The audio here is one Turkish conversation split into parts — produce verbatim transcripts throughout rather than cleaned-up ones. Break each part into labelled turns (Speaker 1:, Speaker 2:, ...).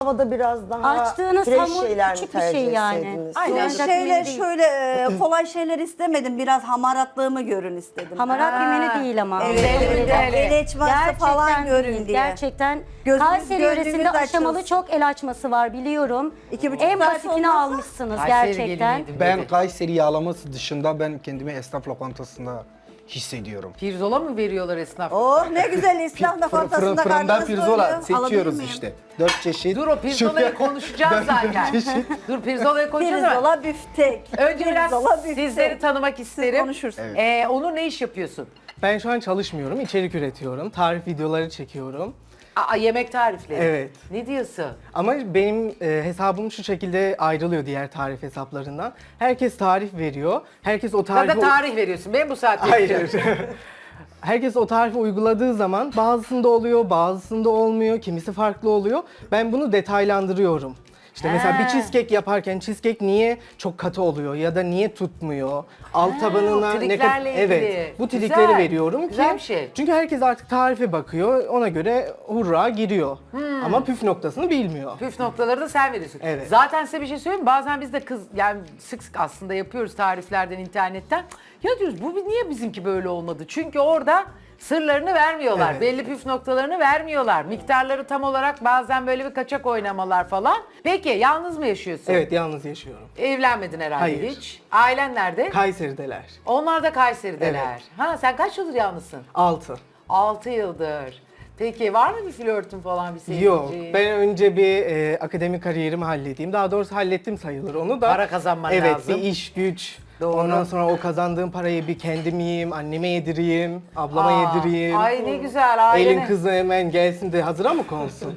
Speaker 1: tavada biraz daha
Speaker 2: Açtığınız
Speaker 1: fresh
Speaker 2: hamur
Speaker 1: şeyler mi
Speaker 2: küçük bir
Speaker 1: tercih
Speaker 2: şey yani.
Speaker 1: etseydiniz?
Speaker 2: Aynen.
Speaker 3: Zor
Speaker 2: Sıcak
Speaker 3: şeyler
Speaker 2: menü değil.
Speaker 3: şöyle e, kolay şeyler istemedim. Biraz hamaratlığımı görün istedim.
Speaker 2: Hamarat bir menü değil ama.
Speaker 3: Evet,
Speaker 2: Öyle
Speaker 3: evet,
Speaker 2: değil.
Speaker 3: el açması falan görün
Speaker 2: değil,
Speaker 3: diye.
Speaker 2: Gerçekten
Speaker 3: Gözünüz-
Speaker 2: Kayseri
Speaker 3: gözünüz
Speaker 2: yöresinde aşamalı
Speaker 3: açılsın.
Speaker 2: çok el açması var biliyorum.
Speaker 3: İki buçuk
Speaker 2: En
Speaker 3: saat
Speaker 2: basitini
Speaker 3: olmazsa-
Speaker 2: almışsınız
Speaker 4: Kayseri
Speaker 2: gerçekten.
Speaker 4: geliniydim
Speaker 5: Ben
Speaker 4: dedi.
Speaker 5: Kayseri yağlaması dışında ben kendimi esnaf lokantasında hissediyorum.
Speaker 4: Pirzola mı veriyorlar esnaf?
Speaker 3: Oh ne güzel İslam
Speaker 5: Fırın,
Speaker 3: lokantasında
Speaker 5: fırından
Speaker 3: karnınız
Speaker 5: pirzola
Speaker 3: doyuyor. Alabilir
Speaker 5: seçiyoruz
Speaker 3: miyim?
Speaker 5: işte. Dört çeşit.
Speaker 4: Dur o pirzolayı konuşacağız zaten. Dur pirzolayı konuşacağız ama
Speaker 3: Pirzola büftek.
Speaker 4: önce biraz
Speaker 3: Pirzola büftek.
Speaker 4: sizleri tanımak isterim.
Speaker 3: konuşursunuz.
Speaker 4: Ee, Onur ne iş yapıyorsun?
Speaker 6: Ben şu an çalışmıyorum, içerik üretiyorum. Tarif videoları çekiyorum.
Speaker 4: Aa, yemek tarifleri.
Speaker 6: Evet.
Speaker 4: Ne diyorsun?
Speaker 6: Ama benim e, hesabım şu şekilde ayrılıyor diğer tarif hesaplarından. Herkes tarif veriyor. Herkes o
Speaker 4: Sen
Speaker 6: tarifi...
Speaker 4: de tarih veriyorsun. Ben bu saatte
Speaker 6: Hayır.
Speaker 4: yapacağım.
Speaker 6: Herkes o tarifi uyguladığı zaman bazısında oluyor, bazısında olmuyor, kimisi farklı oluyor. Ben bunu detaylandırıyorum. İşte mesela
Speaker 4: He.
Speaker 6: bir cheesecake yaparken cheesecake niye çok katı oluyor ya da niye tutmuyor? Alt tabanına
Speaker 4: o
Speaker 6: ne
Speaker 4: triklerle ilgili.
Speaker 6: Evet. Bu
Speaker 4: Güzel,
Speaker 6: trikleri veriyorum
Speaker 4: güzel
Speaker 6: ki
Speaker 4: bir şey.
Speaker 6: çünkü herkes artık tarife bakıyor. Ona göre hurra giriyor.
Speaker 4: Hmm.
Speaker 6: Ama püf noktasını bilmiyor.
Speaker 4: Püf noktaları da sen veriyorsun.
Speaker 6: Evet.
Speaker 4: Zaten size bir şey söyleyeyim mi? Bazen biz de kız yani sık sık aslında yapıyoruz tariflerden internetten. Ya diyoruz bu niye bizimki böyle olmadı? Çünkü orada sırlarını vermiyorlar.
Speaker 6: Evet.
Speaker 4: Belli püf noktalarını vermiyorlar. Miktarları tam olarak bazen böyle bir kaçak oynamalar falan. Peki yalnız mı yaşıyorsun?
Speaker 6: Evet, yalnız yaşıyorum.
Speaker 4: Evlenmedin herhalde
Speaker 6: Hayır.
Speaker 4: hiç. Ailen nerede?
Speaker 6: Kayseri'deler.
Speaker 4: Onlar da Kayseri'deler.
Speaker 6: Evet.
Speaker 4: Ha sen kaç yıldır yalnızsın?
Speaker 6: Altı.
Speaker 4: altı yıldır. Peki var mı bir flörtün falan bir sevgili?
Speaker 6: Yok, ben önce bir e, akademik kariyerimi halledeyim. Daha doğrusu hallettim sayılır onu da.
Speaker 4: Para kazanman
Speaker 6: evet,
Speaker 4: lazım.
Speaker 6: Evet, bir iş güç.
Speaker 4: Doğru.
Speaker 6: Ondan sonra o kazandığım parayı bir kendim yiyeyim, anneme yedireyim, ablama
Speaker 4: Aa,
Speaker 6: yedireyim.
Speaker 4: Ay ne güzel ailene.
Speaker 6: Elin kızı hemen gelsin de hazıra mı konsun?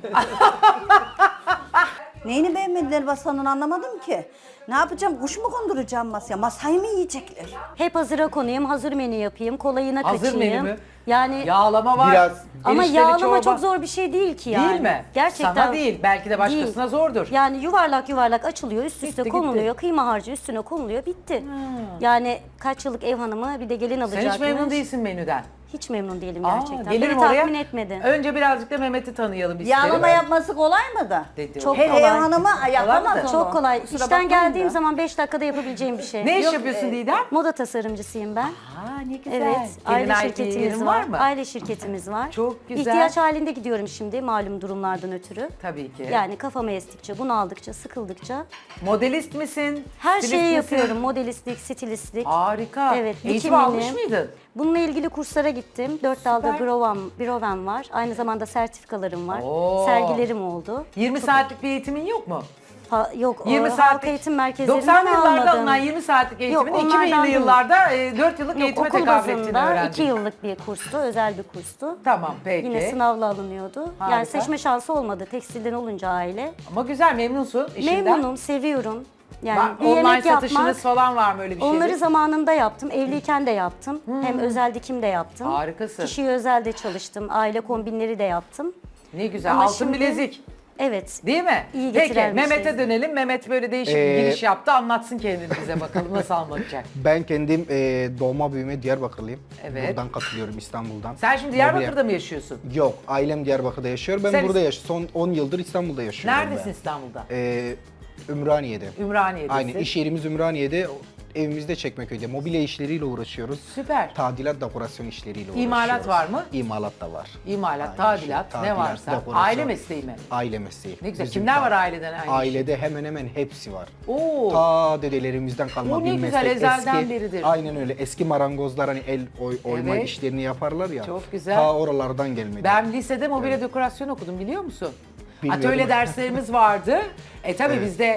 Speaker 3: Neyini beğenmediler Basan'ın anlamadım ki. Ne yapacağım? Kuş mu konduracağım masaya? Masayı mı yiyecekler?
Speaker 2: Hep hazıra konayım, hazır menü yapayım, kolayına
Speaker 4: Hazır
Speaker 2: kaçayım.
Speaker 4: menü mü?
Speaker 2: Yani
Speaker 4: Yağlama var.
Speaker 5: Biraz-
Speaker 2: ama
Speaker 4: erişteli
Speaker 2: yağlama
Speaker 4: çorba.
Speaker 2: çok zor bir şey değil ki yani.
Speaker 4: Değil mi?
Speaker 2: Gerçekten.
Speaker 4: Sana değil, belki de başkasına
Speaker 2: Değil.
Speaker 4: zordur.
Speaker 2: Yani yuvarlak yuvarlak açılıyor, üst üste
Speaker 4: Bitti,
Speaker 2: konuluyor,
Speaker 4: gitti.
Speaker 2: kıyma harcı üstüne konuluyor, bitti. Yani kaç yıllık ev hanımı bir de gelin
Speaker 4: Sen
Speaker 2: alacakmış.
Speaker 4: hiç memnun değilsin menüden.
Speaker 2: Hiç memnun değilim
Speaker 4: Aa,
Speaker 2: gerçekten.
Speaker 4: gelirim
Speaker 2: Beni
Speaker 4: oraya.
Speaker 2: tatmin etmedi.
Speaker 4: Önce birazcık da Mehmet'i tanıyalım isterim.
Speaker 3: Yağlama yapması kolay mı da?
Speaker 4: Dedi o.
Speaker 2: Çok
Speaker 3: Her
Speaker 2: kolay.
Speaker 3: ev hanımı yapamaz onu.
Speaker 2: Çok kolay.
Speaker 3: Kusura
Speaker 2: İşten
Speaker 3: bakmayın
Speaker 2: geldiğim
Speaker 3: da.
Speaker 2: zaman beş dakikada yapabileceğim bir şey.
Speaker 4: Ne iş
Speaker 2: Yok,
Speaker 4: yapıyorsun
Speaker 2: e,
Speaker 4: Didem?
Speaker 2: Moda tasarımcısıyım ben.
Speaker 4: Aa ne güzel.
Speaker 2: Evet,
Speaker 4: Kendine
Speaker 2: aile
Speaker 4: ait bir
Speaker 2: şirketimiz
Speaker 4: yerin
Speaker 2: var.
Speaker 4: var mı?
Speaker 2: Aile şirketimiz var.
Speaker 4: Çok güzel.
Speaker 2: İhtiyaç halinde gidiyorum şimdi malum durumlardan ötürü.
Speaker 4: Tabii ki.
Speaker 2: Yani kafama estikçe, bunaldıkça, sıkıldıkça
Speaker 4: Modelist misin?
Speaker 2: her
Speaker 4: Stilist
Speaker 2: şeyi
Speaker 4: misin?
Speaker 2: yapıyorum. Modelistlik, stilistlik.
Speaker 4: Harika.
Speaker 2: Evet,
Speaker 4: Eğitim
Speaker 2: dikimini.
Speaker 4: almış mıydın?
Speaker 2: Bununla ilgili kurslara gittim. Dört dalda bürovam, bürovam var. Aynı zamanda sertifikalarım var.
Speaker 4: Oo.
Speaker 2: Sergilerim oldu.
Speaker 4: yirmi saatlik bir eğitimin yok mu?
Speaker 2: Ha, yok,
Speaker 4: yirmi
Speaker 2: o
Speaker 4: saatlik.
Speaker 2: halk eğitim merkezlerinden
Speaker 4: doksanlı yıllarda
Speaker 2: almadım.
Speaker 4: alınan yirmi saatlik eğitimin
Speaker 2: Yok,
Speaker 4: iki binli
Speaker 2: onlardan değil.
Speaker 4: yıllarda e, dört yıllık
Speaker 2: Yok,
Speaker 4: eğitime
Speaker 2: okul
Speaker 4: tekabül ettiğini
Speaker 2: bazında
Speaker 4: öğrendim.
Speaker 2: iki yıllık bir kurstu, özel bir kurstu.
Speaker 4: Tamam peki.
Speaker 2: Yine sınavla alınıyordu.
Speaker 4: Harika.
Speaker 2: Yani seçme şansı olmadı tekstilden olunca aile.
Speaker 4: Ama güzel memnunsun işinden.
Speaker 2: Memnunum, seviyorum. Yani
Speaker 4: Bak,
Speaker 2: bir
Speaker 4: online
Speaker 2: yemek
Speaker 4: satışınız
Speaker 2: yapmak,
Speaker 4: falan var mı öyle bir şey?
Speaker 2: onları zamanında yaptım. Evliyken de yaptım. Hem özel dikim de yaptım.
Speaker 4: Harikasın.
Speaker 2: Kişiye özel de çalıştım. Aile kombinleri de yaptım.
Speaker 4: Ne güzel.
Speaker 2: Ama
Speaker 4: Altın
Speaker 2: şimdi-
Speaker 4: bilezik.
Speaker 2: Evet.
Speaker 4: Değil mi?
Speaker 2: İyi
Speaker 4: Peki
Speaker 2: getiren bir
Speaker 4: Mehmet'e
Speaker 2: şey.
Speaker 4: dönelim. Mehmet böyle değişik bir
Speaker 5: Ee,
Speaker 4: giriş yaptı. Anlatsın kendini bize bakalım nasıl anlatacak.
Speaker 5: Ben kendim e, doğma büyüme Diyarbakırlıyım.
Speaker 4: Evet.
Speaker 5: Buradan katılıyorum İstanbul'dan.
Speaker 4: Sen şimdi Diyarbakır'da mı yaşıyorsun?
Speaker 5: Yok, ailem Diyarbakır'da yaşıyor. Ben
Speaker 4: Sen-
Speaker 5: burada yaşıyorum. Son on yıldır İstanbul'da yaşıyorum.
Speaker 4: Neredesin
Speaker 5: ben.
Speaker 4: İstanbul'da?
Speaker 5: Ee, Ümraniye'de.
Speaker 4: Ümraniye'desin.
Speaker 5: Aynen, iş yerimiz Ümraniye'de. Evimizde Çekmeköy'de. Mobilya işleriyle uğraşıyoruz.
Speaker 4: Süper.
Speaker 5: Tadilat, dekorasyon işleriyle uğraşıyoruz.
Speaker 4: İmalat var mı?
Speaker 5: İmalat da var.
Speaker 4: İmalat,
Speaker 5: Aynen,
Speaker 4: tadilat,
Speaker 5: şey,
Speaker 4: ne
Speaker 5: tadilat,
Speaker 4: varsa.
Speaker 5: dekorasyon.
Speaker 4: Aile mesleği mi?
Speaker 5: Aile mesleği.
Speaker 4: Ne güzel.
Speaker 5: Bizim
Speaker 4: Kimler
Speaker 5: ta-
Speaker 4: var aileden aynı iş?
Speaker 5: Ailede hemen hemen hepsi var.
Speaker 4: Oo.
Speaker 5: Ta dedelerimizden kalma
Speaker 4: O ne
Speaker 5: bir
Speaker 4: güzel,
Speaker 5: meslek.
Speaker 4: ezelden
Speaker 5: Eski-
Speaker 4: beridir.
Speaker 5: Aynen öyle. Eski marangozlar hani el oy, oyma
Speaker 4: Evet.
Speaker 5: işlerini yaparlar ya.
Speaker 4: Çok güzel.
Speaker 5: Ta oralardan gelmedi.
Speaker 4: Ben lisede mobilya dekorasyon okudum biliyor musun?
Speaker 5: Bilmiyorum.
Speaker 4: Atölye derslerimiz vardı. E tabii bizde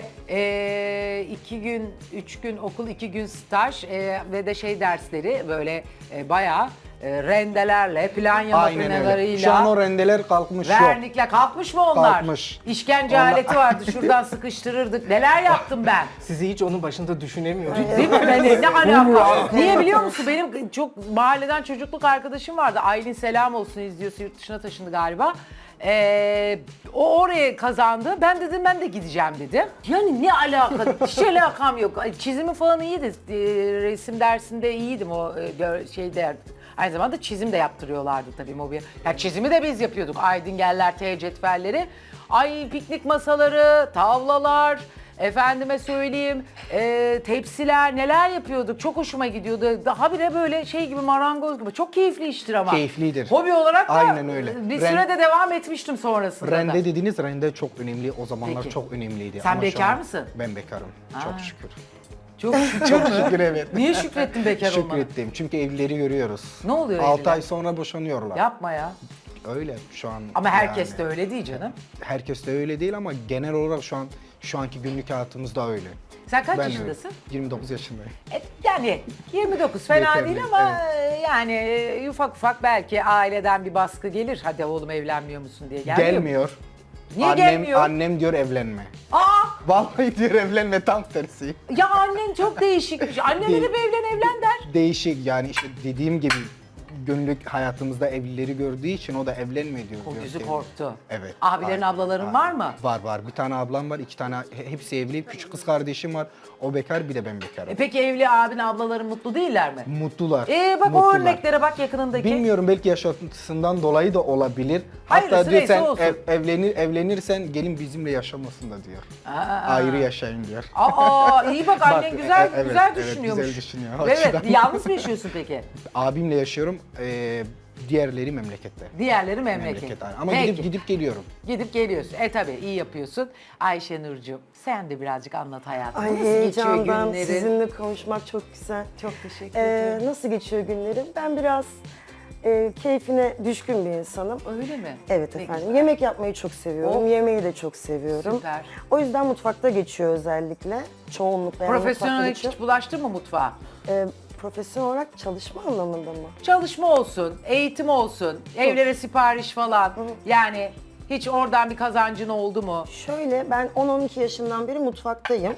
Speaker 4: e, iki gün, üç gün okul, iki gün staj e, ve de şey dersleri böyle e, bayağı e, rendelerle, planya
Speaker 5: Aynen öyle.
Speaker 4: makineleriyla,
Speaker 5: Şu an o rendeler kalkmış yok.
Speaker 4: vernikle kalkmış mı onlar?
Speaker 5: Kalkmış.
Speaker 4: İşkence
Speaker 5: Onlar-
Speaker 4: aleti vardı şuradan sıkıştırırdık. Neler yaptım ben?
Speaker 6: Sizi hiç onun başında düşünemiyorum.
Speaker 4: Değil mi? Ben ne alaka? Niye biliyor musun? Benim çok mahalleden çocukluk arkadaşım vardı. Aylin selam olsun izliyorsa yurt dışına taşındı galiba. Ee, o oraya kazandı. Ben dedim ben de gideceğim dedim. Yani ne alaka? Hiç alakam yok. Ay, çizimi falan iyiydi. Ee, resim dersinde iyiydim o e, gör- şeyde. Aynı zamanda çizim de yaptırıyorlardı tabii mobilya. Ya çizimi de biz yapıyorduk. Aydıngeller, T cetvelleri. Ay piknik masaları, tavlalar, efendime söyleyeyim e, tepsiler neler yapıyorduk. Çok hoşuma gidiyordu. Daha bile böyle şey gibi marangoz gibi. Çok keyifli iştir ama.
Speaker 5: Keyiflidir.
Speaker 4: Hobi olarak da
Speaker 5: Aynen öyle.
Speaker 4: bir
Speaker 5: Ren-
Speaker 4: sürede devam etmiştim sonrasında da.
Speaker 5: Rende dediğiniz rende çok önemli. O zamanlar
Speaker 4: Peki.
Speaker 5: çok önemliydi.
Speaker 4: Sen
Speaker 5: Ama şu
Speaker 4: bekar
Speaker 5: an
Speaker 4: mısın?
Speaker 5: Ben bekarım.
Speaker 4: Aa.
Speaker 5: Çok şükür.
Speaker 4: Çok şükür.
Speaker 5: Çok şükür evet.
Speaker 4: Niye şükrettin bekar olmana?
Speaker 5: Şükrettim. Çünkü evlileri görüyoruz.
Speaker 4: Ne oluyor
Speaker 5: altı
Speaker 4: evliler?
Speaker 5: ay sonra boşanıyorlar.
Speaker 4: Yapma ya.
Speaker 5: Öyle şu an.
Speaker 4: Ama herkes
Speaker 5: yani.
Speaker 4: de öyle değil canım.
Speaker 5: Herkes de öyle değil ama genel olarak şu an şu anki günlük hayatımızda öyle.
Speaker 4: Sen kaç
Speaker 5: Ben
Speaker 4: yaşındasın?
Speaker 5: öyle. yirmi dokuz yaşındayım.
Speaker 4: E, yani yirmi dokuz fena
Speaker 5: Yeterli,
Speaker 4: değil ama e, yani e, ufak ufak belki aileden bir baskı gelir. Hadi oğlum evlenmiyor musun diye. Gelmiyor mu?
Speaker 5: Gelmiyor.
Speaker 4: Niye
Speaker 5: annem,
Speaker 4: gelmiyor?
Speaker 5: Annem diyor evlenme.
Speaker 4: Aa!
Speaker 5: Vallahi diyor evlenme, tam tersi.
Speaker 4: Ya annen çok değişikmiş. Anneme de
Speaker 5: Değil.
Speaker 4: bir evlen evlen der.
Speaker 5: Değişik yani işte dediğim gibi günlük hayatımızda evlileri gördüğü için o da evlenme diyor.
Speaker 4: O
Speaker 5: diyor
Speaker 4: yüzü
Speaker 5: ki-
Speaker 4: korktu.
Speaker 5: Evet.
Speaker 4: Abilerin,
Speaker 5: Aynen,
Speaker 4: ablaların
Speaker 5: aynen.
Speaker 4: var mı?
Speaker 5: Var var. Bir tane ablam var, iki tane he- hepsi evli. Küçük kız kardeşim var. O bekar, bir de ben bekarım.
Speaker 4: E peki evli abin ablaların mutlu değiller mi?
Speaker 5: Mutlular.
Speaker 4: E bak o
Speaker 5: mutlular.
Speaker 4: örneklere bak yakınındaki.
Speaker 5: Bilmiyorum, belki yaşantısından dolayı da olabilir.
Speaker 4: Hayırlısı
Speaker 5: Hatta diyor
Speaker 4: neyse
Speaker 5: sen
Speaker 4: olsun.
Speaker 5: ev- evlenir evlenirsen gelin bizimle yaşamasın da diyor.
Speaker 4: Aa,
Speaker 5: Ayrı yaşayın diyor.
Speaker 4: Aa iyi bak annen
Speaker 5: Bak,
Speaker 4: güzel
Speaker 5: e- evet,
Speaker 4: güzel
Speaker 5: evet,
Speaker 4: düşünüyormuş.
Speaker 5: güzel düşünüyor. O
Speaker 4: Evet,
Speaker 5: açıdan.
Speaker 4: yalnız mı yaşıyorsun peki?
Speaker 5: Abimle yaşıyorum. Ee, diğerleri memlekette.
Speaker 4: Diğerleri memleket.
Speaker 5: Memleket aynen. Ama
Speaker 4: Peki.
Speaker 5: gidip gidip geliyorum.
Speaker 4: Gidip geliyorsun. E tabii iyi yapıyorsun. Ayşe Nurcuğum sen de birazcık anlat hayatını.
Speaker 1: Ay
Speaker 4: Nasıl geçiyor
Speaker 1: heyecandan
Speaker 4: günleri?
Speaker 1: sizinle konuşmak çok güzel.
Speaker 4: Çok teşekkür
Speaker 1: Ee,
Speaker 4: ederim.
Speaker 1: nasıl geçiyor günlerim? Ben biraz e, keyfine düşkün bir insanım.
Speaker 4: Öyle mi?
Speaker 1: Evet
Speaker 4: Ne
Speaker 1: efendim.
Speaker 4: güzel.
Speaker 1: Yemek yapmayı çok seviyorum.
Speaker 4: Oh.
Speaker 1: Yemeği de çok seviyorum.
Speaker 4: Süper.
Speaker 1: O yüzden mutfakta geçiyor özellikle. Çoğunlukla yani
Speaker 4: Profesyonel
Speaker 1: mutfakta
Speaker 4: hiç
Speaker 1: geçiyor.
Speaker 4: bulaştın mı mutfağa?
Speaker 1: Ee, profesyonel olarak çalışma anlamında mı?
Speaker 4: Çalışma olsun, eğitim olsun, evlere sipariş falan. Yani hiç oradan bir kazancın oldu mu?
Speaker 1: Şöyle ben on on iki yaşından beri mutfaktayım.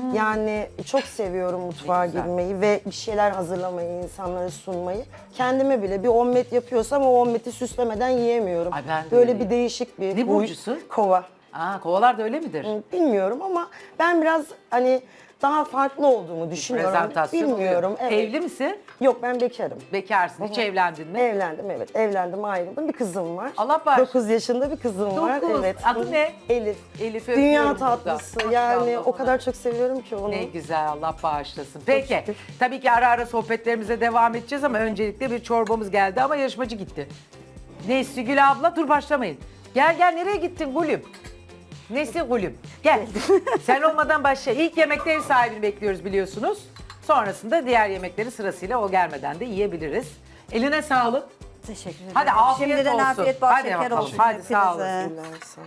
Speaker 1: Yani çok seviyorum mutfağa
Speaker 4: Ne güzel.
Speaker 1: girmeyi ve bir şeyler hazırlamayı, insanlara sunmayı. Kendime bile bir omlet yapıyorsam o omleti süslemeden yiyemiyorum.
Speaker 4: Ay ben de
Speaker 1: Böyle
Speaker 4: öyleyim.
Speaker 1: bir değişik bir
Speaker 4: Ne
Speaker 1: huy.
Speaker 4: burcusun?
Speaker 1: Kova.
Speaker 4: Aa kovalar da öyle midir?
Speaker 1: Bilmiyorum ama ben biraz hani daha farklı olduğumu düşünüyorum.
Speaker 4: Prezentasyon
Speaker 1: Bilmiyorum.
Speaker 4: oluyor.
Speaker 1: Evet.
Speaker 4: Evli misin?
Speaker 1: Yok ben bekarım.
Speaker 4: Bekarsın. Hiç evlendin mi?
Speaker 1: Evlendim evet. Evlendim ayrıldım. Bir kızım var.
Speaker 4: Allah bağışlasın.
Speaker 1: dokuz yaşında bir kızım var.
Speaker 4: Dokuz.
Speaker 1: Evet.
Speaker 4: Adı ne?
Speaker 1: Elif.
Speaker 4: Elif'i
Speaker 1: Dünya
Speaker 4: öpüyorum burada.
Speaker 1: tatlısı. Yani
Speaker 4: Maşallah
Speaker 1: o
Speaker 4: ona.
Speaker 1: kadar çok seviyorum ki onu.
Speaker 4: Ne güzel Allah bağışlasın. Peki
Speaker 1: şükür.
Speaker 4: tabii ki ara ara sohbetlerimize devam edeceğiz ama öncelikle bir çorbamız geldi ama yarışmacı gitti. Nesli Gül abla dur başlamayın. Gel gel nereye gittin Gülüm? Nesli Gülüm gel. Sen olmadan başla. İlk yemekte ev sahibini bekliyoruz biliyorsunuz. Sonrasında diğer yemekleri sırasıyla o gelmeden de yiyebiliriz. Eline sağlık.
Speaker 3: Teşekkür ederim.
Speaker 4: Hadi afiyet
Speaker 3: Şimdiden
Speaker 4: olsun.
Speaker 3: afiyet bal
Speaker 4: Hadi
Speaker 3: şeker
Speaker 4: bakalım.
Speaker 3: olsun.
Speaker 4: Hadi sağ
Speaker 3: hepinize.
Speaker 4: olasın.
Speaker 1: Teşekkürler, sağ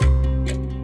Speaker 1: ol.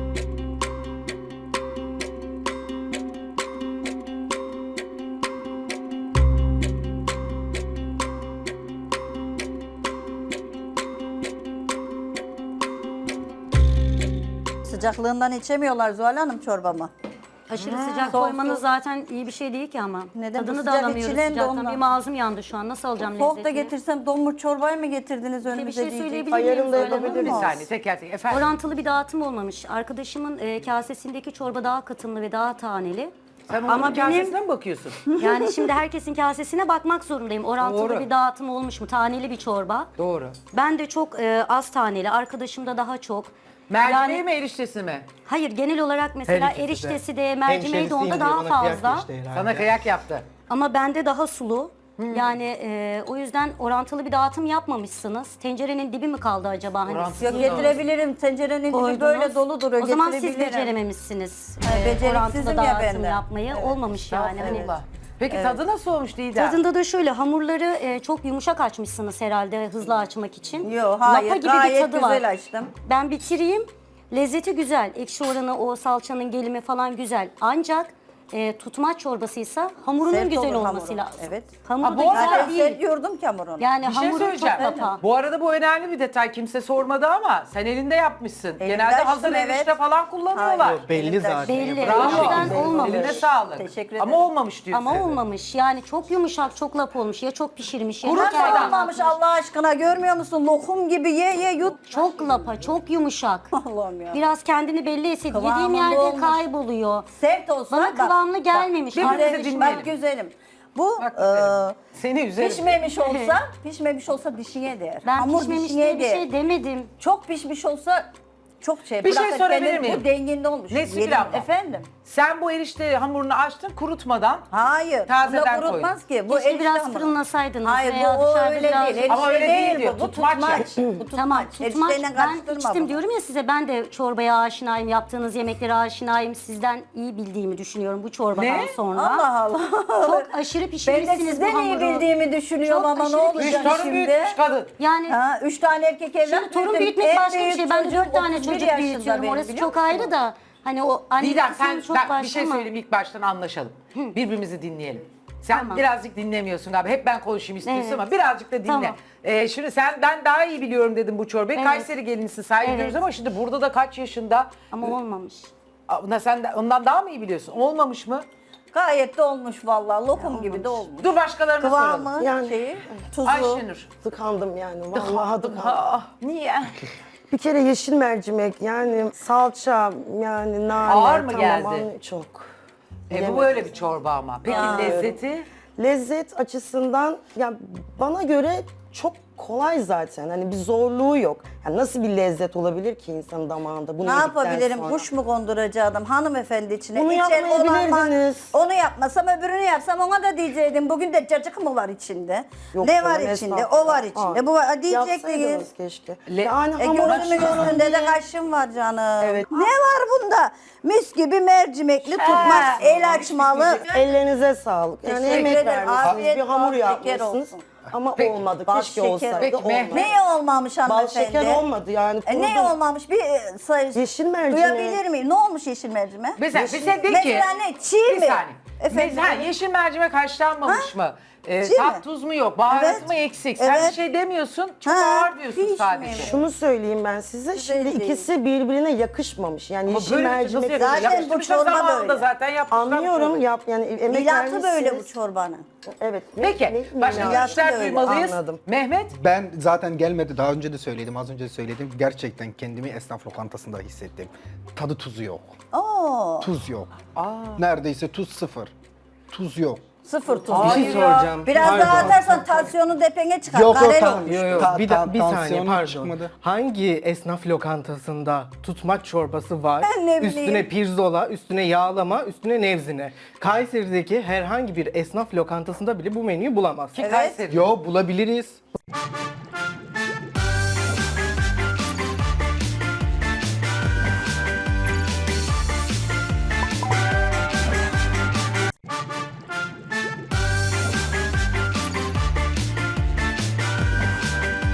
Speaker 3: Sıcaklığından içemiyorlar Zuhal Hanım çorbamı.
Speaker 2: Aşırı sıcak
Speaker 3: soğuk
Speaker 2: koymanız
Speaker 3: yok.
Speaker 2: zaten iyi bir şey değil ki ama.
Speaker 3: Neden? Bu
Speaker 2: Tadını da
Speaker 3: sıcak
Speaker 2: alamıyoruz
Speaker 3: içilen de
Speaker 2: sıcaktan.
Speaker 3: ondan.
Speaker 2: Benim ağzım yandı şu an. Nasıl alacağım
Speaker 3: Soğuk da
Speaker 2: lezzetini?
Speaker 3: getirsem donmuş çorbayı mı getirdiniz
Speaker 2: Bir
Speaker 3: önümüze
Speaker 2: şey
Speaker 3: diyecek.
Speaker 2: söyleyebilir
Speaker 1: Ayarım
Speaker 2: miyim?
Speaker 1: da
Speaker 2: Zuhal Hanım?
Speaker 1: yapabilir
Speaker 4: Bir
Speaker 1: Olmaz.
Speaker 4: saniye teker teker. Efendim.
Speaker 2: Orantılı bir dağıtım olmamış. Arkadaşımın e, kasesindeki çorba daha katımlı ve daha taneli.
Speaker 4: Sen onun
Speaker 2: Ama benim-
Speaker 4: kasesine mi bakıyorsun?
Speaker 2: Yani şimdi herkesin kasesine bakmak zorundayım. Orantılı
Speaker 4: Doğru.
Speaker 2: bir dağıtım olmuş mu? Taneli bir çorba.
Speaker 4: Doğru.
Speaker 2: Ben de çok e, az taneli, arkadaşım da daha çok.
Speaker 4: Mercimeği
Speaker 2: Yani-
Speaker 4: mi eriştesi mi?
Speaker 2: Hayır, genel olarak mesela
Speaker 6: Her ikisi de.
Speaker 2: eriştesi de, mercimeği de
Speaker 6: Hemşerisiyim
Speaker 2: onda
Speaker 6: diye
Speaker 2: daha
Speaker 6: bana kıyak
Speaker 2: fazla.
Speaker 6: geçti herhalde.
Speaker 4: Sana kıyak yaptı.
Speaker 2: Ama bende daha sulu.
Speaker 4: Hmm.
Speaker 2: Yani e, o yüzden orantılı bir dağıtım yapmamışsınız. Tencerenin dibi mi kaldı acaba? Hani
Speaker 4: Orantılı
Speaker 3: Yok
Speaker 4: da-
Speaker 3: getirebilirim. Tencerenin dibi
Speaker 2: koydunuz.
Speaker 3: böyle dolu duruyor.
Speaker 2: O zaman siz
Speaker 3: Getirebilirim.
Speaker 2: becerememişsiniz.
Speaker 3: Ha,
Speaker 2: e,
Speaker 3: beceriksizim
Speaker 2: orantılı
Speaker 3: ya
Speaker 2: dağıtım
Speaker 3: ben de.
Speaker 2: yapmayı.
Speaker 3: Evet.
Speaker 2: Olmamış yani. Hani
Speaker 4: Allah. Peki tadı nasıl olmuş Didem?
Speaker 2: Tadında da şöyle hamurları e, çok yumuşak açmışsınız herhalde hızlı açmak için.
Speaker 3: Yok hayır
Speaker 2: Lapa gibi
Speaker 3: gayet
Speaker 2: bir tadı
Speaker 3: güzel
Speaker 2: var.
Speaker 3: açtım.
Speaker 2: Ben bitireyim. Lezzeti güzel. Ekşi oranı, o salçanın gelimi falan güzel. Ancak e, tutmaç çorbasıysa hamurunun
Speaker 3: Sert
Speaker 2: güzel
Speaker 3: olur
Speaker 2: olması
Speaker 3: hamuru.
Speaker 2: lazım.
Speaker 3: Evet.
Speaker 2: Hamuru
Speaker 4: Ha, bu
Speaker 2: da
Speaker 4: arada-
Speaker 2: güzel
Speaker 3: Zaten
Speaker 2: değil.
Speaker 3: sert yordum ki hamurunu.
Speaker 2: Yani
Speaker 4: Bir şey
Speaker 2: hamuru çok
Speaker 4: söyleyeceğim.
Speaker 2: lapa.
Speaker 4: Bu arada bu önemli bir detay. Kimse sormadı ama sen elinde yapmışsın. Genelde
Speaker 3: açtım,
Speaker 4: hazır
Speaker 3: evet.
Speaker 4: erişte falan kullanıyorlar.
Speaker 3: Hayır.
Speaker 6: Belli
Speaker 3: Elimden
Speaker 6: zaten.
Speaker 2: Belli.
Speaker 4: Bravo.
Speaker 2: O yüzden olmamış.
Speaker 4: Eline sağlık.
Speaker 3: Teşekkür
Speaker 4: Ama
Speaker 3: ederim.
Speaker 4: olmamış diyorsun.
Speaker 2: Ama olmamış. Yani çok yumuşak, çok lapa olmuş. Ya çok pişirmiş ya
Speaker 4: Kuru
Speaker 2: çok
Speaker 4: soğan
Speaker 2: erken
Speaker 3: Olmamış
Speaker 2: atmış.
Speaker 3: Allah aşkına görmüyor musun? Lokum gibi ye ye yut.
Speaker 2: Çok lapa, çok yumuşak.
Speaker 3: Allah'ım ya.
Speaker 2: Biraz kendini belli etsin. Yediğim
Speaker 3: Kıvamında
Speaker 2: yerde
Speaker 3: olmuş.
Speaker 2: kayboluyor.
Speaker 3: Sert olsa
Speaker 2: Bana
Speaker 3: bak,
Speaker 2: kıvamlı gelmemiş.
Speaker 4: birbirimizi
Speaker 2: Arkadaşım-
Speaker 4: dinleyelim.
Speaker 3: Bak güzelim. Bu
Speaker 4: Bak
Speaker 3: e,
Speaker 4: güzelim. Seni üzerim.
Speaker 3: pişmemiş olsa, pişmemiş olsa dişine değer.
Speaker 2: Ben
Speaker 3: Hamur
Speaker 2: pişmemiş
Speaker 3: dişine
Speaker 2: diye bir
Speaker 3: değer.
Speaker 2: şey demedim.
Speaker 3: Çok pişmiş olsa çok şey.
Speaker 4: Bir şey
Speaker 3: bırakıp
Speaker 4: sorabilir
Speaker 3: gelir,
Speaker 4: miyim?
Speaker 3: Bu denginde olmuş.
Speaker 4: Neslihan
Speaker 3: Yerim-
Speaker 4: abla.
Speaker 3: Efendim?
Speaker 4: Sen bu erişte hamurunu açtın kurutmadan.
Speaker 3: Hayır.
Speaker 4: Tazeden
Speaker 3: Bunda kurutmaz ki. Bu
Speaker 2: Keşke
Speaker 3: erişte
Speaker 2: biraz
Speaker 3: hamuru.
Speaker 2: fırınlasaydınız
Speaker 3: Hayır
Speaker 2: veya
Speaker 3: bu o
Speaker 2: dışarıda
Speaker 3: öyle
Speaker 2: biraz-
Speaker 3: değil. Erişte
Speaker 4: Ama öyle değil
Speaker 3: bu.
Speaker 4: diyor,
Speaker 3: Bu
Speaker 4: tutmaç
Speaker 3: tutmaç.
Speaker 4: ya.
Speaker 3: Bu tutmaç.
Speaker 2: Tamam tutmaç.
Speaker 3: Erişteyle
Speaker 2: Ben
Speaker 3: karıştırma
Speaker 2: içtim
Speaker 3: bunu.
Speaker 2: diyorum ya size, ben de çorbaya aşinayım, yaptığınız yemeklere aşinayım. Sizden iyi bildiğimi düşünüyorum bu çorbadan
Speaker 4: Ne?
Speaker 2: sonra.
Speaker 3: Allah Allah.
Speaker 2: Çok aşırı
Speaker 3: Ben de
Speaker 2: pişirmişsiniz bu
Speaker 3: sizden iyi
Speaker 2: hamuru.
Speaker 3: bildiğimi düşünüyorum
Speaker 2: Çok
Speaker 3: ama ne
Speaker 2: aşırı
Speaker 3: olacak
Speaker 4: Üç
Speaker 2: pişirmişsiniz.
Speaker 4: torun
Speaker 3: şimdi?
Speaker 4: büyütmüş kadın.
Speaker 2: Yani
Speaker 3: Ha, üç tane erkek evlat
Speaker 2: şimdi torun
Speaker 3: büyüttüm.
Speaker 2: büyütmek
Speaker 3: En
Speaker 2: başka bir
Speaker 3: büyük
Speaker 2: şey. Ben de
Speaker 3: çocuğum
Speaker 2: dört tane
Speaker 3: otuz bir
Speaker 2: çocuk
Speaker 3: yaşında
Speaker 2: büyütüyorum.
Speaker 3: benim,
Speaker 2: Orası
Speaker 3: biliyor
Speaker 2: çok
Speaker 3: musun?
Speaker 2: ayrı da. Hani o anne
Speaker 4: Didem sen
Speaker 2: kısmı çok
Speaker 4: ben
Speaker 2: başka
Speaker 4: bir şey
Speaker 2: ama-
Speaker 4: söyleyeyim ilk baştan anlaşalım. Birbirimizi dinleyelim. Sen
Speaker 2: Tamam.
Speaker 4: birazcık dinlemiyorsun galiba. Hep ben konuşayım istiyorsun
Speaker 2: Evet.
Speaker 4: ama birazcık da dinle.
Speaker 2: Tamam.
Speaker 4: Ee, şimdi sen ben daha iyi biliyorum dedim bu çorbayı.
Speaker 2: Evet.
Speaker 4: Kayseri gelinisin saygı
Speaker 2: Evet.
Speaker 4: duyuyoruz ama şimdi burada da kaç yaşında?
Speaker 2: Ama olmamış.
Speaker 4: Aa, sen de, ondan daha mı iyi biliyorsun? Olmamış mı?
Speaker 3: Gayet de olmuş vallahi. Lokum gibi de olmuş.
Speaker 4: Dur başkalarına soralım.
Speaker 3: Kıvamı,
Speaker 1: Yani-
Speaker 3: şeyi, tuzu.
Speaker 4: Ayşenur.
Speaker 1: Tıkandım yani. Vallahi tıkandım.
Speaker 4: Aa, niye?
Speaker 1: Bir kere yeşil mercimek yani salça yani nane.
Speaker 4: Ağır mı
Speaker 1: tamam,
Speaker 4: geldi?
Speaker 1: anne- Çok.
Speaker 4: E, bu
Speaker 1: Yemedim.
Speaker 4: böyle bir çorba ama. Peki lezzeti?
Speaker 1: Lezzet açısından ya bana göre çok kolay zaten. Hani bir zorluğu yok. Yani nasıl bir lezzet olabilir ki insanın damağında? Bunu
Speaker 3: Ne
Speaker 1: yedikten
Speaker 3: yapabilirim?
Speaker 1: sonra?
Speaker 3: Kuş mu konduracaktım hanımefendi içine?
Speaker 1: Bunu
Speaker 3: İçer
Speaker 1: yapmayabilirdiniz.
Speaker 3: olan- Onu yapmasam öbürünü yapsam ona da diyecektim. Bugün de cacık mı var içinde?
Speaker 1: Yok
Speaker 3: ne
Speaker 1: canım,
Speaker 3: var içinde?
Speaker 1: estağfurullah.
Speaker 3: O var içinde.
Speaker 1: Aa,
Speaker 3: Bu var diyecektiniz.
Speaker 1: Yapsaydınız keşke.
Speaker 4: Le-
Speaker 1: yani
Speaker 3: E
Speaker 1: hamur
Speaker 3: gözümün
Speaker 1: açısından
Speaker 3: üstünde de
Speaker 1: diye-
Speaker 3: kaşım var canım.
Speaker 1: Evet.
Speaker 3: Ne var bunda? Mis gibi mercimekli tutmaz, el açmalı.
Speaker 1: Ellerinize sağlık. Yani
Speaker 3: Teşekkür
Speaker 1: emek
Speaker 3: ederim.
Speaker 1: vermişsiniz.
Speaker 3: Afiyet
Speaker 1: Bir hamur
Speaker 3: bal şeker
Speaker 1: yapmışsınız.
Speaker 3: olsun.
Speaker 1: Ama
Speaker 4: Peki.
Speaker 1: olmadı.
Speaker 3: Bal
Speaker 1: Keşke
Speaker 3: şeker.
Speaker 1: olsaydı.
Speaker 4: Peki,
Speaker 1: olmadı.
Speaker 4: Mehmet.
Speaker 3: Neye olmamış
Speaker 1: Bal
Speaker 3: hanımefendi?
Speaker 1: şeker olmadı yani.
Speaker 3: E, ne
Speaker 1: kurudu.
Speaker 3: olmamış? Bir e, sayı.
Speaker 1: Yeşil mercimek.
Speaker 3: Duyabilir miyim? Ne olmuş yeşil mercimek?
Speaker 4: Mesela
Speaker 3: Yeşil-
Speaker 4: bize de ki...
Speaker 3: Mesela ne? Çiğ
Speaker 4: bir
Speaker 3: mi?
Speaker 4: saniye.
Speaker 3: Efendim?
Speaker 4: Mesela yeşil mercimek haşlanmamış mı? Ee,
Speaker 3: Çiğ
Speaker 4: tat
Speaker 3: mi?
Speaker 4: tuz mu yok? Baharatı
Speaker 3: Evet.
Speaker 4: mı eksik? Sen bir
Speaker 3: Evet.
Speaker 4: şey demiyorsun. Çok
Speaker 3: Ha,
Speaker 4: ağır diyorsun
Speaker 3: hiç
Speaker 4: sadece.
Speaker 3: mi?
Speaker 1: Şunu söyleyeyim ben size. Şimdi
Speaker 3: değil.
Speaker 1: ikisi birbirine yakışmamış. Yani
Speaker 4: Ama
Speaker 1: yeşil
Speaker 4: böyle bir şey nasıl
Speaker 1: mercimek
Speaker 4: yapıyorsun?
Speaker 3: Zaten bu
Speaker 4: Yapıştırmışlar
Speaker 3: çorba
Speaker 4: zamanında
Speaker 3: böyle.
Speaker 4: zaten yapmışlar bu
Speaker 1: anlıyorum
Speaker 4: çorbayı.
Speaker 1: yap yani emek
Speaker 3: Milatı
Speaker 1: vermişsiniz.
Speaker 3: böyle bu çorbanın.
Speaker 1: Evet.
Speaker 4: Peki
Speaker 1: ne-
Speaker 4: başka
Speaker 1: ne-
Speaker 4: görüşler
Speaker 3: öyle,
Speaker 4: duymalıyız.
Speaker 1: anladım.
Speaker 4: Mehmet?
Speaker 5: Ben zaten gelmedi. Daha önce de söyledim. Az önce de söyledim. Gerçekten kendimi esnaf lokantasında hissettim. Tadı tuzu yok.
Speaker 3: Oo,
Speaker 5: Tuz yok. Neredeyse tuz sıfır. Tuz yok.
Speaker 3: sıfır tuz.
Speaker 6: Bir
Speaker 4: Hayır
Speaker 6: şey
Speaker 4: ya.
Speaker 6: soracağım.
Speaker 3: Biraz
Speaker 6: Pardon.
Speaker 3: daha atarsan tansiyonu depene çıkar.
Speaker 5: Yok, yok,
Speaker 3: Karel
Speaker 5: tamam.
Speaker 3: olmuş.
Speaker 6: Yo, yo,
Speaker 5: Ta-
Speaker 6: bir,
Speaker 5: ta-
Speaker 6: da, bir saniye
Speaker 5: tansiyonum
Speaker 6: pardon.
Speaker 5: çıkmadı.
Speaker 6: Hangi esnaf lokantasında tutmaç çorbası var?
Speaker 3: Ben ne bileyim.
Speaker 6: Üstüne pirzola, üstüne yağlama, üstüne nevzine. Kayseri'deki herhangi bir esnaf lokantasında bile bu menüyü bulamazsın.
Speaker 4: Ki Kayseri.
Speaker 5: Yo bulabiliriz.